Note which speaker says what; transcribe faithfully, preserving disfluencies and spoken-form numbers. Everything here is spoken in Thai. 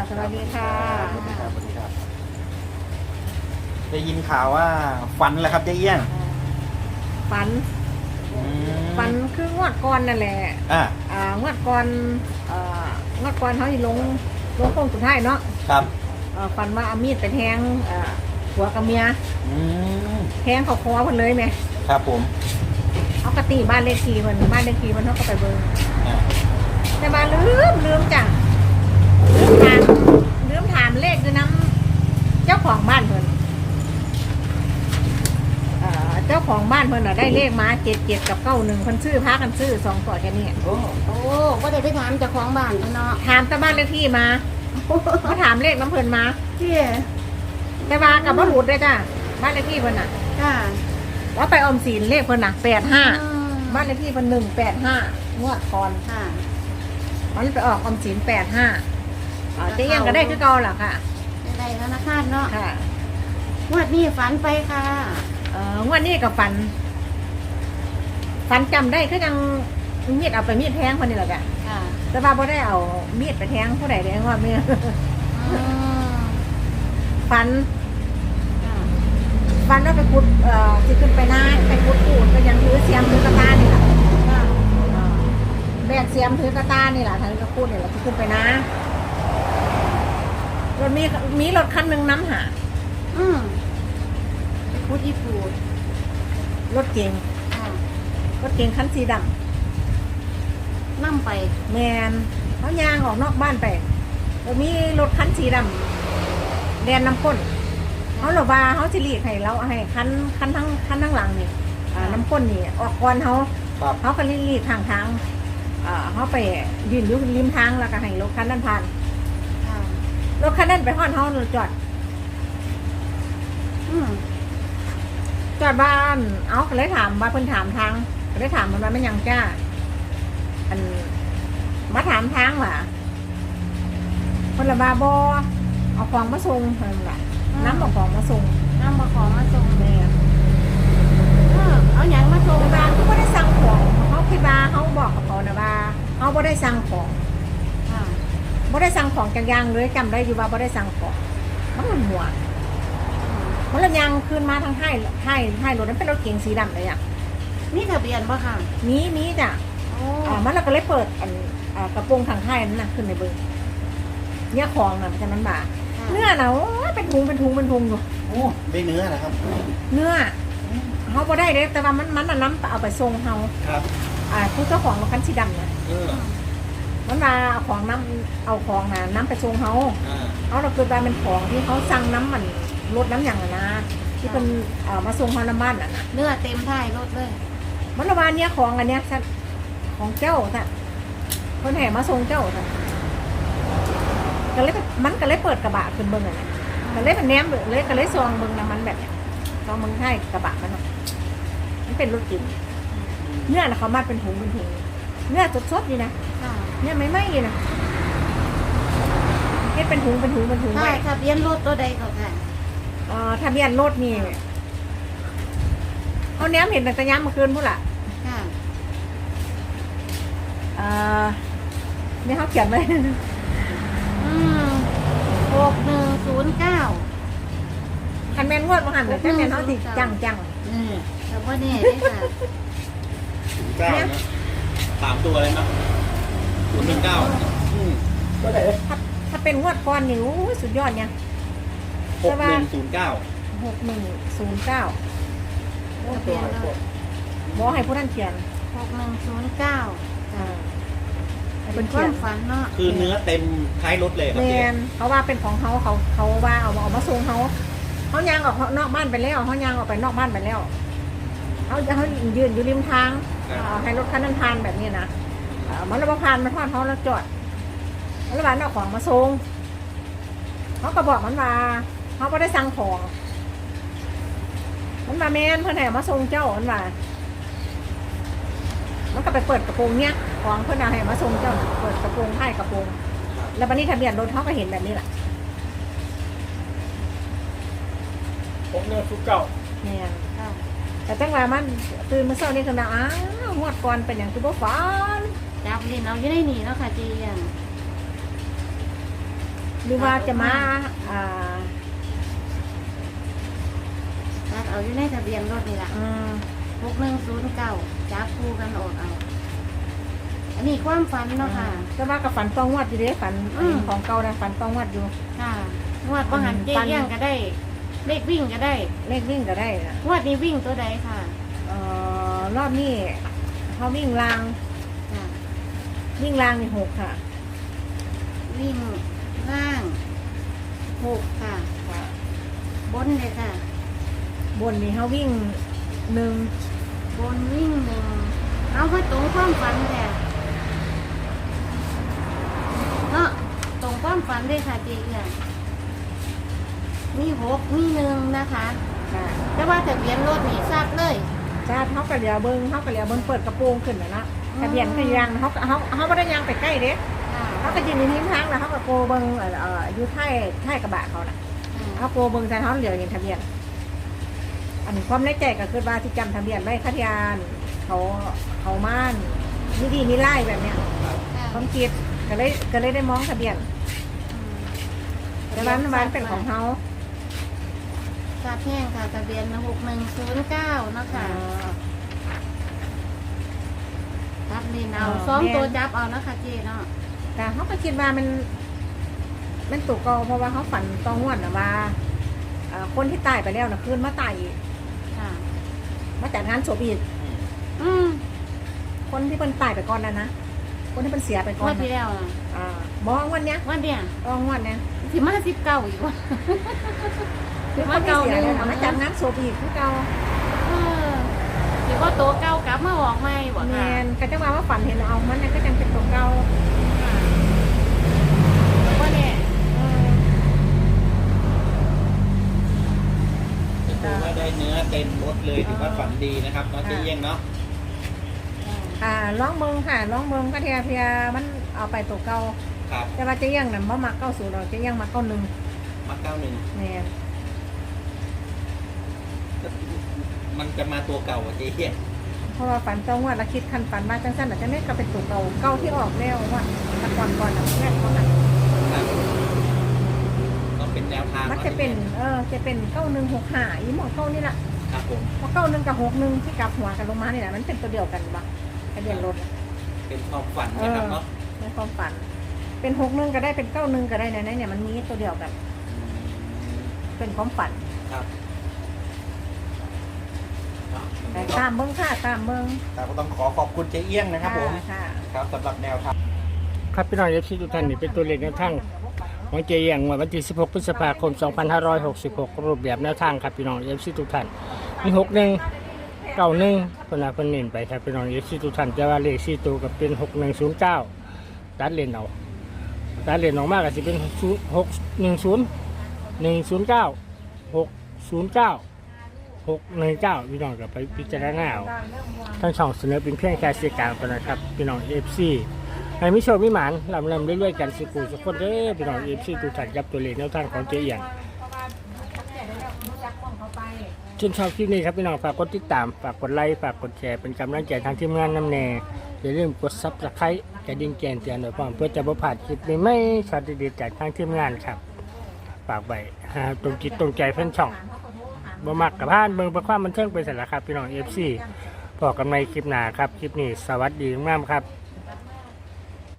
Speaker 1: สวัสดีค่ะ
Speaker 2: สวัสดีครับสวัสดีครับได้ยินข่าวว่าฝันแล้วครับเจ๊เอี้ยง
Speaker 1: ฝัน
Speaker 2: อืม
Speaker 1: ฝันคืองวดก่อนนั่นแหละ
Speaker 2: อ่า
Speaker 1: อ่างวดก่อนเอ่องวดก่อนเขาที่ลงลงโค้งสุดท้ายเนาะ
Speaker 2: ครับ
Speaker 1: เอ่อฝันว่าเอามีดไปแทงเอ่อผัวกับเมีย
Speaker 2: อืม
Speaker 1: แทงเขาคอเพิ่นเลยไหม
Speaker 2: ครับผม
Speaker 1: เอากระตีบ้านเลขที่เพิ่นบ้านเลขที่เพิ่นเขาก็ไปเบิ่ง
Speaker 2: อ่า
Speaker 1: แต่บ้านลืมลืมจ้ะลืมถามลืมถามเลขคือน้ำเจ้าของบ้านเพิ่นเอ่อเจ้าของบ้านเพิ่นน่ะได้เลขมาเจ็ดเจ็ดกับเก้าหนึ่งเพิ่นซื้อพากันซื้อสองตัวแค่นี้
Speaker 2: โอ้
Speaker 3: โอ้ก็ได้ไปถามเจ้าของบ้านเนาะ
Speaker 1: ถามแต่บ้านเลขที่มาเขาถามเลขน้ำเพิ่นมา
Speaker 3: ที่
Speaker 1: แต่ว่ากับว่าหลุดเลยจ้ะบ้านเลขที่เพิ่นน่ะ
Speaker 3: ค่ะ
Speaker 1: ว่าไปออมสินเลขเพิ่นน่ะแปดห้า
Speaker 3: อืม
Speaker 1: บ้านเลขที่เพิ่นหนึ่งแปดห้างวดก่อน
Speaker 3: ค่ะ
Speaker 1: มันไปออกออมสินแปดห้าเจ๊ยังก็ได้คือเก่าล่ะค่ะ
Speaker 3: ได้ธนาคารเนาะ
Speaker 1: ค่ะ
Speaker 3: งวดนี้ฝันไปค่ะ
Speaker 1: เอ่องวดนี้กับฝันฝันจำได้คือยังมีดเอาไปมีดแทงคนนี้แหละจ้ะ
Speaker 3: ค่ะ
Speaker 1: แต่ว่าบ่ได้เอามีดไปแทงผู้ใดเลยว่าไม่
Speaker 3: อืม
Speaker 1: ฝัน
Speaker 3: ค่ะ
Speaker 1: ฝันว่าไปขุดเอ่อสิขึ้นไปหน้าไปขุดปูนก็ยังถือเสียมถือกระตานี่แหละ
Speaker 3: ค่ะ
Speaker 1: แบกเสียมถือกระตานี่แหละถือกระพูดนี่แหละที่ขึ้นไปนะรถมีมีรถคันหนึ่งน้ำหา
Speaker 3: อืมไปคุดอีปูด
Speaker 1: รถเก๋ง
Speaker 3: ค่ะ
Speaker 1: รถเก๋งคันสีด
Speaker 3: นั่งไป
Speaker 1: ำแมนเขายางออกนอกบ้านไปแล้วมีรถคันสีดำแดนน้ำข้นเขาหลบว่าเขาจะรีกให้เราให้คันคันทั้งคันทั้งหลังนี่อ่าน้ำข้นนี่ออกก่อนเขา
Speaker 2: ครับ
Speaker 1: เขาก็รีดทางทางอ่าเขาไปยืนอยู่ริมทางแล้วก็ให้รถคันนั้นผ่าน
Speaker 3: ค่ะ
Speaker 1: รถคันนั้นไปห้อนเขาจอด
Speaker 3: อืม
Speaker 1: จอดบ้าน เอาก็เลยถามว่าเพิ่นถามทางก็เลยถามมันว่าไม่ยังจ้า อันมาถามทางว่ะเพิ่นละบาบอเอาของมาส่งเพิ่นล่ะน้ำเอาของมาส่ง
Speaker 3: นั่งมาของมาส่ง
Speaker 1: แม่
Speaker 3: เออเอาหยังมาส่ง
Speaker 1: เพิ่น
Speaker 3: บ้า
Speaker 1: ว่าน เขาบ่ได้สั่งของเขาคิดว่าเขาบอกกับเขานะว่าเขาบ่ได้สั่งของ
Speaker 3: ค่ะ
Speaker 1: บ่ได้สั่งของจักอย่างเลยจำได้อยู่ว่าบ่ได้สั่งของมันหมุนหัวมันละยังขึ้นมาทางท้ายท้ายท้ายรถนั้นเป็นรถเก๋งสีดำเลยอ่ะ
Speaker 3: นี่ทะเบียนป่ะค่ะ
Speaker 1: นี้นี้จ้ะ
Speaker 3: โอ้
Speaker 1: อ่ามันเราก็เลยเปิดอันอ่ากระโปรงทางท้ายนั่นนะขึ้นในเบิ้งเนี่ยของนะมันจะมันบาเนื้อนะโอ้ยเป็นทุงเป็นทุงเป็นทุงอยู่
Speaker 2: โอ้ได้เนื้อนะครับ
Speaker 1: เนื้อเขาบ่ได้เลยแต่ว่ามันมันน่ะน้ำเอาไปทรงเขา
Speaker 2: ครับ
Speaker 1: อ่าผู้เจ้าของรถคันสีดำเนี่ย
Speaker 2: เออ
Speaker 1: มันมาเอาของน้ำเอาของนะน้ำไปทรงเขา
Speaker 2: อ่า
Speaker 1: เอาเราเกิดไปเป็นของที่เขาสั่งน้ำมันรถน้ำอย่างอะนะที่เป็นเอ่อมาทรงเขาน้ำมันอ่ะนะ
Speaker 3: เนื้อเต็มท้ายรถเลย
Speaker 1: มันระบาดเนี่ยของอันเนี้ยซะของเจ้าซะคนแห่มาทรงเจ้าซะก็เลยมันก็เลยเปิดกระบะขึ้นเบิ้งอ่ะนะก็เลยเป็นแนมเบิ่งเลยก็เลยซองเบิ้งน้ำมันแบบเนี้ยซองเบิ้งให้กระบะมันเนาะมันเป็นรถจิ๋วเนื้อนะเขามาเป็นถุงเป็นถุงเนื้อสดๆอยู่นะ
Speaker 3: ค่ะ
Speaker 1: เนื้อไม่ไหม้อยู่นะเฮ็ดเป็นถุงเป็นถุงเป็นถุง
Speaker 3: ค่ะ
Speaker 1: ไว้
Speaker 3: ทะเบียนรถตัวใดก็ค่ะ
Speaker 1: เอ่อทะเบียนรถนี่เอาแนมเห็นแต่ตะย้ำเมื่อคืนพูดล่ะ
Speaker 3: ค่ะ
Speaker 1: เอ่อนี่เขาเขียนไว้
Speaker 3: อืมหกหนึ่งศูนย์เก้า
Speaker 1: คันแมนงวดมาหันแต่คันแมนเขาติจังจัง
Speaker 2: อืม
Speaker 3: แต่ว่าเนี่ยได้ค่ะ
Speaker 2: เก้านะสามตัวเลยเนาะศูนย์หนึ่งเก้าอืมก็ได้
Speaker 1: ถ้าถ้าเป็นงวดก่อนนี่โอ้ยสุดยอดเนี่ย
Speaker 2: หกหนึ่งศูนย์เก้า
Speaker 1: หกหนึ่งศูนย์เก้า
Speaker 3: ทะเบียนรถ
Speaker 1: บอกให้ผู้ท่านเขียน
Speaker 3: หกหนึ่งศูนย์เก้า
Speaker 1: อ่าให้
Speaker 3: เป็
Speaker 1: เป็น น
Speaker 3: ค
Speaker 1: เขี
Speaker 3: วาย ม
Speaker 1: น
Speaker 3: ฝันเนาะ
Speaker 2: คือเนื้อเต็มท้ายรถเลยครับ
Speaker 1: แม
Speaker 2: เจ๊
Speaker 1: นเขาว่าเป็นของเขาเขาเขาว่าเอามาเอามาส่งเขาเขายางออกนอกบ้านไปแล้วเขายางออกไปนอกบ้านไปแล้วเขาเขายืนอยู่ริมทางอ่าให้รถคันนั้นผ่านแบบนี้นะอ่ามันระบผ่านมันผ่านเขาแล้วจอดแล้วระบาดเอาของมาส่งเขาก็บอกมันว่าเขาไม่ได้สั่งของ มันมาแมนเพื่อนแห่มาส่งเจ้ามันว่ามันก็ไปเปิดกระโปรงเนี้ยของเพื่อนเอาให้มาส่งเจ้าเปิดกระโปรงให้กระโปรงแล้วบันนี้ทะเบียนรถเขาก็เห็นแบบนี้แหละ
Speaker 4: ผมเนี่ยทุกเก่า
Speaker 1: เนี่ย
Speaker 3: ค่ะ
Speaker 1: แต่จังหวะมันตื่นมาเช้านี่คือนะอ้าวงวดก่อนเป็นอย่างคือบ่ฝัน
Speaker 3: จับเล่นเอาอยู่ในนี่เนาะค่ะเจียง
Speaker 1: หรือว่าจะมาอ่า
Speaker 3: ตัดเอาอยู่ในทะเบียนรถนี่แหละ
Speaker 1: อืม
Speaker 3: หกหนึ่งศูนย์เก้าจับคู่กันออกเอา อันนี้ความฝันเนาะค่ะ
Speaker 1: ก็ว่ากับฝันตองวัดอยู่เด้ฝัน
Speaker 3: อืม
Speaker 1: ของเก่านะฝันตองวัดอยู่
Speaker 3: ค่ะงวดประหันเจ๊
Speaker 1: ฝัน
Speaker 3: เลี้ยงก็ได้ เลขวิ่งก็ได้
Speaker 1: เลขวิ่งก็ได้นะ
Speaker 3: งวดนี้วิ่งตัวใดค่ะ
Speaker 1: เอ่อรอบนี้เขาวิ่งราง
Speaker 3: ค่ะ
Speaker 1: วิ่งรางนี่หกค่ะ
Speaker 3: วิ่งล่างหกค่ะ บนเลยค่ะ
Speaker 1: บนนี่เขาวิ่งหนึ่ง
Speaker 3: บนวิ่งหนึ่งเอาไปตรงความฝันแท้เนาะตรงความฝันเลยค่ะเจ๊เอียงมีหกมีหนึ่งนะคะ
Speaker 1: ค่ะ
Speaker 3: แต่ว่าทะเบียนรถนี่ทราบเลย
Speaker 1: จ้าเขากระเดียวเบิ้งเขากระเดียวเบิ้งเปิดกระโปรงขึ้นนะนะ
Speaker 3: อืม
Speaker 1: ทะเบียนก็ยังเขาเขาเขาไม่ได้ยังไปใกล้เด้
Speaker 3: ค่ะ
Speaker 1: เขาก็ยืนในทิ้งทางแล้วเขาก็โกเบิ้งเอ่อเอ่ออยู่ท้ายท้ายกระบะเขาน่ะ
Speaker 3: อืม
Speaker 1: เขาโกเบิ้งใส่เขาเหลียวเห็นทะเบียน อันนี้ความในใจก็คือว่าที่จำทะเบียนไว้คัทยานเขาเขาม่านมีดีมีไล่แบบเนี้ย
Speaker 3: ค่ะ
Speaker 1: ความคิดก็เลยก็เลยได้มองทะเบียน
Speaker 3: อืม
Speaker 1: แต่ร้านร้านเป็นของเขา
Speaker 3: ทราบแห้งค่ะทะเบียนหกหนึ่งศูนย์เก้าเนาะค่ะรับเรียนเอาสองตัวจับเอานะคะเจ๊เนาะ
Speaker 1: แต่เขาก็คิดว่ามันมันตกเกาเพราะว่าเขาฝันตองงวดนะว่าเอ่อคนที่ตายไปแล้วนะคืนมาตายอีก
Speaker 3: ค่ะ
Speaker 1: มาจัดงานศพอีก
Speaker 3: อืม
Speaker 1: คนที่เป็นตายไปก่อนแล้วนะคนที่เป็นเสียไปก่
Speaker 3: ง
Speaker 1: อ
Speaker 3: วัน นที่
Speaker 1: นะ
Speaker 3: แล้วนะ
Speaker 1: อ่าบอกว่าวันเนี้ย
Speaker 3: วันเดียว
Speaker 1: ตองงวดเนี้ย
Speaker 3: สิมาสิบเก้าอีกวะ
Speaker 1: คือคนที่เสียเลยนะมาจัดงานศพอีกคือเก่า
Speaker 3: เออสิว่าตัวเก้ากลับมาออกใหม่บ่
Speaker 1: แม
Speaker 3: ค่ะ
Speaker 1: นก็จะว่าว่าฝันเห็นเอามันเนี่ยก็ยังเป็นตัวเก่า
Speaker 3: ว่าเนี่ย
Speaker 1: เออ
Speaker 2: ถือว่าได้เนื้อเต็มรถเลยถือว่าฝันดีนะครับน้องเจ๊เอี้ยงเนาะ
Speaker 1: อ่าร้องเมืองค่ะร้องเมืองก็เทียเพียมันเอาไปตัวเก่า
Speaker 2: ครับ
Speaker 1: แต่ว่าเจะยังน่ะบ่มาเก้าศูนย์เราจะยังมาเก้าหนึ่ง
Speaker 2: มาเก้าหนึ่ง
Speaker 1: แมน
Speaker 2: มันจะมาตัวเก่าอะเจ๊เอี้ยง
Speaker 1: เพราะว่าฝันตองว่าเราคิดคันฝันมาจังสั้นอาจจะไม่กลับเป็นตัวเก่าเก่าที่ออกแล้วว่าแตะก่อนก่อนอ่ะแม่เขาหัน
Speaker 2: ครับก็เป็นแนวทาง
Speaker 1: มันจะเป็นเออจะเป็นเก้าหนึ่งหกห้าอีหมอเก้านี่แหละ
Speaker 2: ครับผม
Speaker 1: เพราะเก้าหนึ่งกับหกหนึ่งที่กลับหัวกันลงมานี่แหละมันเป็นตัวเดียวกันปะทะเบียนรถ
Speaker 2: เป็นความฝันนะครับเนาะ
Speaker 1: ในความฝัน เป็นหกหนึ่งก็ได้เป็นเก้าหนึ่งก็ได้ในนั้นเนี่ยมันมีตัวเดียวกัน เป็นความฝัน
Speaker 2: ครับ
Speaker 1: แต่ตามเบิ้งค่ะตามเบิ้ง
Speaker 2: แต่ก็ต้องขอขอบคุณเจ๊เอี้ยงนะครับผม
Speaker 1: ค่ะ
Speaker 2: ครับสำหรับแนวทาง
Speaker 4: ครับพี่น้องเอฟซีทุกท่านนี่เป็นตัวเลขแนวทางของเจียงวันที่สิบหกพฤษภาคมสองพันห้าร้อยหกสิบหกรูปแบบแนวทางครับพี่น้องเอฟซีทุกท่านมีหกหนึ่งเก้าหนึ่งคนละคนเน้นไปครับพี่น้องเอฟซีทุกท่านแต่ว่าเลขสี่ตัวก็เป็นหกหนึ่งศูนย์เก้าตัดเลนเอาตัดเลนออกมากก็จะเป็นหกหนึ่งศูนย์หนึ่งศูนย์เก้าหกศูนย์เก้าหกหนึ่งเก้าพี่น้องก็ไปพิจารณาเอาทั้งช่องเสนอเป็นเพียงแค่เสียกลางเท่านั้นครับพี่น้องเอฟซีให้มิโชคมิหมานลำลำเรื่อยๆกันสิกูสักคนเด้อพี่น้องเอฟซีทุกท่านกับตัวเลขแนวทางของเจียงชื่นชอบคลิปนี้ครับพี่น้องฝากกดติดตามฝากกดไลค์ฝากกดแชร์เป็นกำลังใจทางทีมงานน้ำแน่อย่าลืมกดซับสไครต์กระดิ่งแจ้งเตือนโดยพร้อมเพื่อจะบ่พลาดคลิปใหม่ๆช็อตดีๆจากทางทีมงานครับฝากไว้หาตรงจิตตรงใจเพื่อนช่องบ่มักกับพานเบิ่งเพื่อความบันเทิงไปเสร็จแล้วครับพี่น้องเอฟซีพอกันในคลิปหน้าครับคลิปนี้สวัสดีมากครับ